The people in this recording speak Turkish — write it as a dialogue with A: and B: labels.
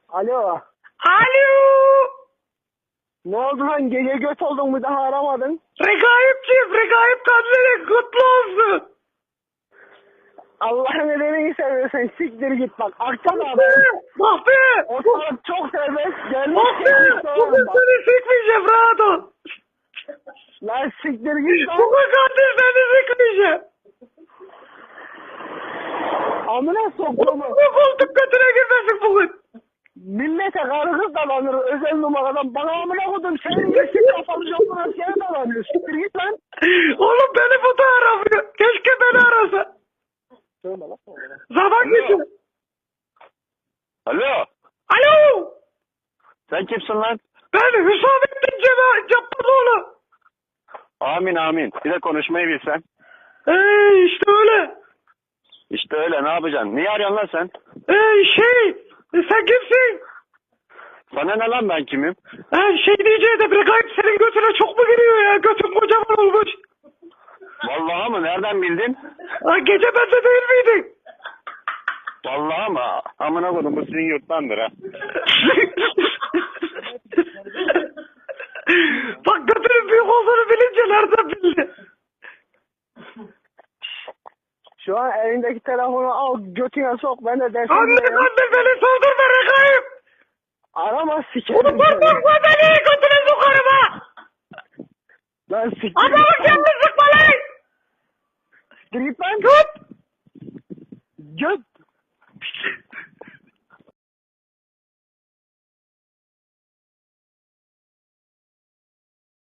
A: Alo.
B: Alo.
A: Ne oldu lan? Gece göt oldun mu daha aramadın?
B: Regaip Kandili kutlu olsun.
A: Allah'ın nedeni seversen siktir git bak. Akşam abi.
B: Bak be.
A: Ortalık çok serbest. Gelmiş
B: Bak be.
A: geçmiş
B: Bugün
A: sorun bak.
B: seni sikmeyeceğim rahat ol.
A: Lan siktir git lan.
B: Bugün Kandil seni sikmeyeceğim.
A: Amına soktuğumu.
B: Bugün koltuk götüne girmesin bugün.
A: Millete karı kız dalanır özel numaradan. Bana amına koydum. Senin yeşil kafalı yoluna seni dalanıyor. Siktir git lan.
B: Oğlum beni bu da aramıyor. Keşke beni arasa.
A: Söyle lan.
B: Zaman geçiyor.
C: Alo.
B: Alo.
C: Sen kimsin lan?
B: Ben Hüsamettin Cabbaroğlu.
C: Amin amin. Bir de konuşmayı bilsen.
B: İşte öyle.
C: İşte öyle, ne yapacaksın? Niye arıyorsun lan sen?
B: Sen kimsin?
C: Sana ne lan, ben kimim?
B: Diyeceğim de Regaip senin götüne çok mu giriyor ya? Götün kocaman olmuş.
C: Vallahi mı? Nereden bildin?
B: Gece bende değil miydin?
C: Vallahi mı? Amına koydum, bu sizin yurttandır ha.
B: Bak götünün büyük olduğunu bilince nereden bildi?
A: Şu an elindeki telefonu al götüne sok. Ben de dersim.
B: Anne beni sordurma Regaip.
A: Arama sikerim.
B: Bunu korkma beni götüne sokarım ha.
A: Lan siktir
B: Adamı
A: git lan.
B: kendin sıkma lan.
A: Siktir git lan.
B: Tut.
A: Göt.